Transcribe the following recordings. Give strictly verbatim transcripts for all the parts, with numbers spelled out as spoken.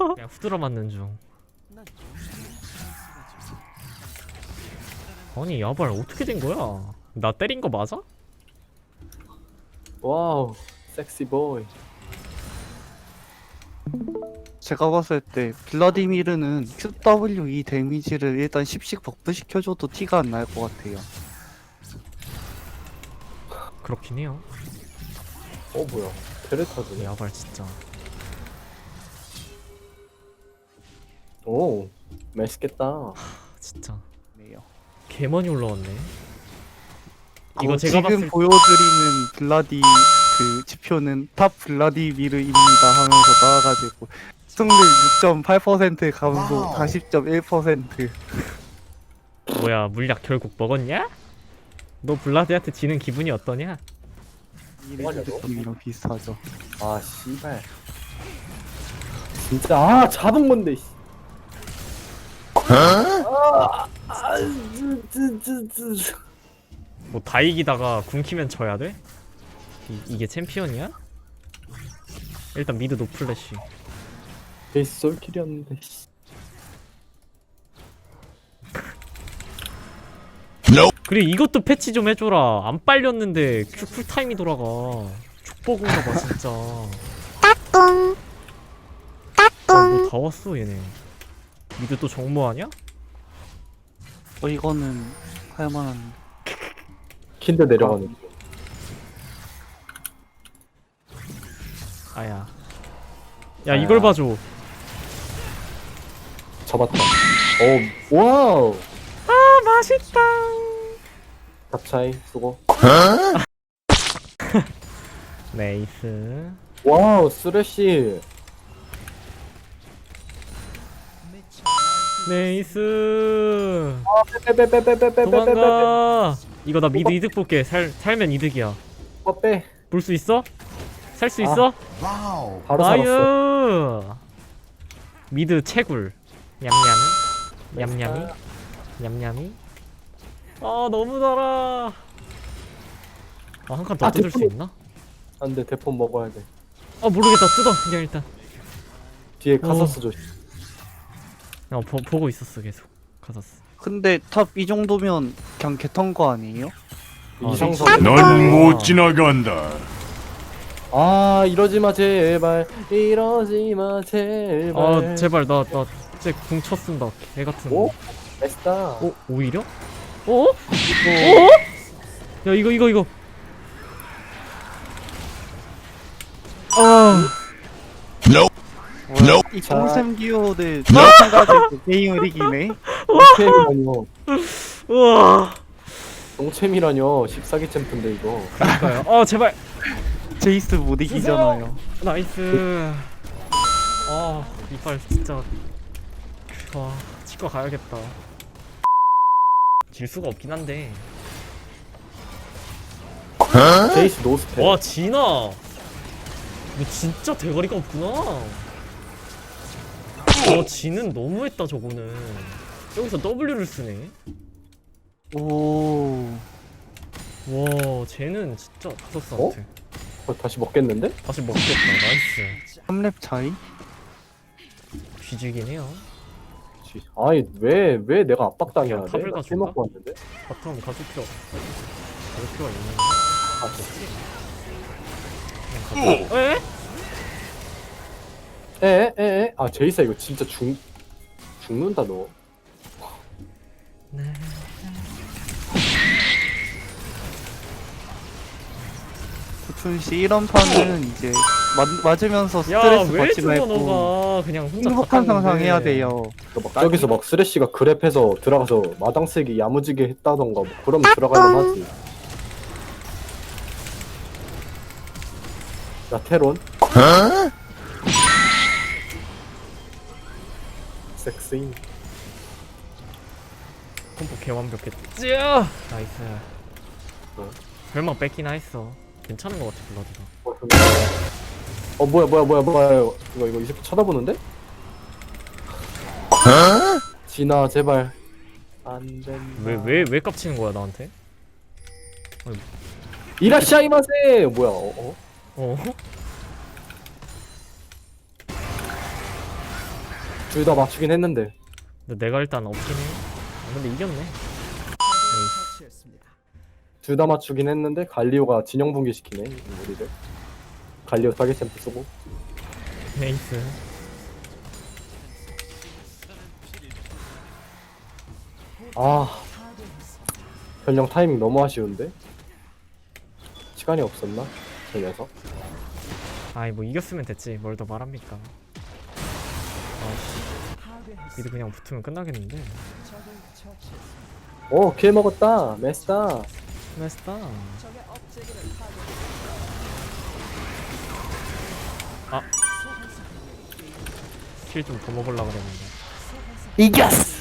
그냥 후드러 맞는 중. 아니 야발 어떻게 된 거야? 나 때린 거 맞아? 와우, 섹시 보이. 제가 봤을 때 블라디미르는 큐더블유이 데미지를 일단 십씩 버프 시켜줘도 티가 안 날 것 같아요. 그렇긴 해요. 어 뭐야? 테레타즈네. 야발 진짜. 오, 맛있겠다. 진짜 네요. 개 많이 올라왔네. 이거 어, 제가 지금 봤을 때 보여드리는 블라디 그 지표는 탑 블라디미르입니다 하면서 나와가지고 승률 육 점 팔 퍼센트 감소 사십 점 일 퍼센트. 뭐야 물약 결국 먹었냐? 너 블라디한테 지는 기분이 어떠냐? 뭐하냐고? 이랑 비슷하죠. 아 씨발. 진짜 아 잡은 건데. 씨. 아, 아, 쯔, 쯔, 쯔, 쯔. 뭐 다 이기다가 궁키면 져야 돼? 이, 이게 챔피언이야? 일단 미드 노플래시. 베이스 솔킬이었는데. 씨. 그리고 이것도 패치 좀 해줘라. 안 빨렸는데 큐 쿨타임이 돌아가. 족보군가 봐 진짜. 따뚱 따뚱. 뭐 다 왔어 얘네. 미드 또 정모하냐? 어 이거는 할만한. 킨드 내려가는. 중. 아야. 야 이걸 봐줘. 잡았다. 오, 와우. 아 맛있다. 탑차이 수고. 네이스. 와우, 쓰레쉬. 네이스. 빼빼빼빼빼빼빼빼빼. 도망가. 이거 나 미드 이득 볼게. 살 살면 이득이야. 어 빼. 볼 수 있어? 살 수 아. 있어? 바로 살았어. 나이스. 미드 채굴. 냠냠이. 냠냠이. 냠냠이. 아 너무 달아. 아 한 칸 더 아, 뜯을 수 대포는- 있나? 안돼, 대폰 먹어야 돼. 아 모르겠다. 뜯어 그냥 일단. 뒤에 카사스 조심. 어 보, 보고 있었어 계속. 가졌어. 근데 탑 이 정도면 그냥 개턴 거 아니에요? 아, 이상선. 넌 못 지나간다. 아 이러지 마 제발. 이러지 마 제발. 아 제발 나나 진짜 궁 쳤쓴다. 개 같은 거. 오? 맛있다. 어 오히려? 어? 어? 야 이거 이거 이거. 아. 이 자. 똥샘 기호들 마찬가지로 게임을 이기네. 똥챔이라뇨. 우와. 똥챔이라뇨. 십사기 챔프인데 이거. 그러니까요. 아 제발. 제이스 못 이기잖아요. 나이스. 아 이빨 진짜. 와 치과 가야겠다. 질 수가 없긴 한데. 제이스 노스펠. 와 진아. 너 진짜 대가리가 없구나. 와 진은 너무했다 저거는. 여기서 W를 쓰네. 오. 와 쟤는 진짜 카서스한테. 어, 다시 먹겠는데? 다시 먹겠다. 나이스. 삼 렙 차이? 뒤지긴 해요. 지- 아니 왜 왜 내가 압박당해야 그냥 돼? 탑을 나 가져올까? 킬 먹고 왔는데. 바텀 가줄 필요 가줄 필요가 있는 아, 그냥 가져. 에? 에에에 아 제이스 이거 진짜 죽 죽는다 너. 네. 구춘 씨 이런 판은 이제 맞, 맞으면서 스트레스 야왜 받지 죽어 말고 너가 그냥 혼자 행복한 갔다 오는데. 상상 해야 돼요. 막 저기서 막 쓰레쉬가 그랩해서 들어가서 마당 쓰기 야무지게 했다던가 뭐 그러면 들어가면 하지. 야 테론. 섹시. 콤보 개 완벽했지. 쯔! 나이스. 어. 별망 뺏기나 했어. 괜찮은 것 같아 블라디가. 어, 근데- 어 뭐야 뭐야 뭐야 뭐야 이거 이거 이 새끼 쳐다보는데? 진아 제발 안 된다. 왜 왜 왜 깝치는 거야 나한테? 이라시아이마세 뭐야 어? 어? 어? 둘 다 맞추긴 했는데 근데 내가 일단 없긴 해. 아, 근데 이겼네. 에이, 둘 다 맞추긴 했는데 갈리오가 진영 붕괴시키네 우리를. 갈리오 타겟 챔프 쓰고. 에이스. 아 변령 타이밍 너무 아쉬운데? 시간이 없었나? 저 녀석. 아이 뭐 이겼으면 됐지. 뭘 더 말합니까? 아씨. 미드 그냥 붙으면 끝나겠는데. 오, 킬 먹었다. 메스다. 나이스다. 아. 킬 좀 더 먹으려고 그랬는데. 이겼어.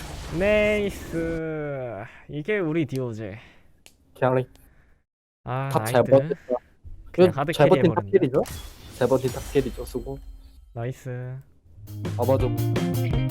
네이스. 이게 우리 디오제. 그냥 아, 탑잘 나이트. 버텼다. 그냥 하드 잘 캐리 버틴 해버린다. 탑킬이죠? 잘 버틴 탑킬이죠. 수고. 나이스. 잡아줘.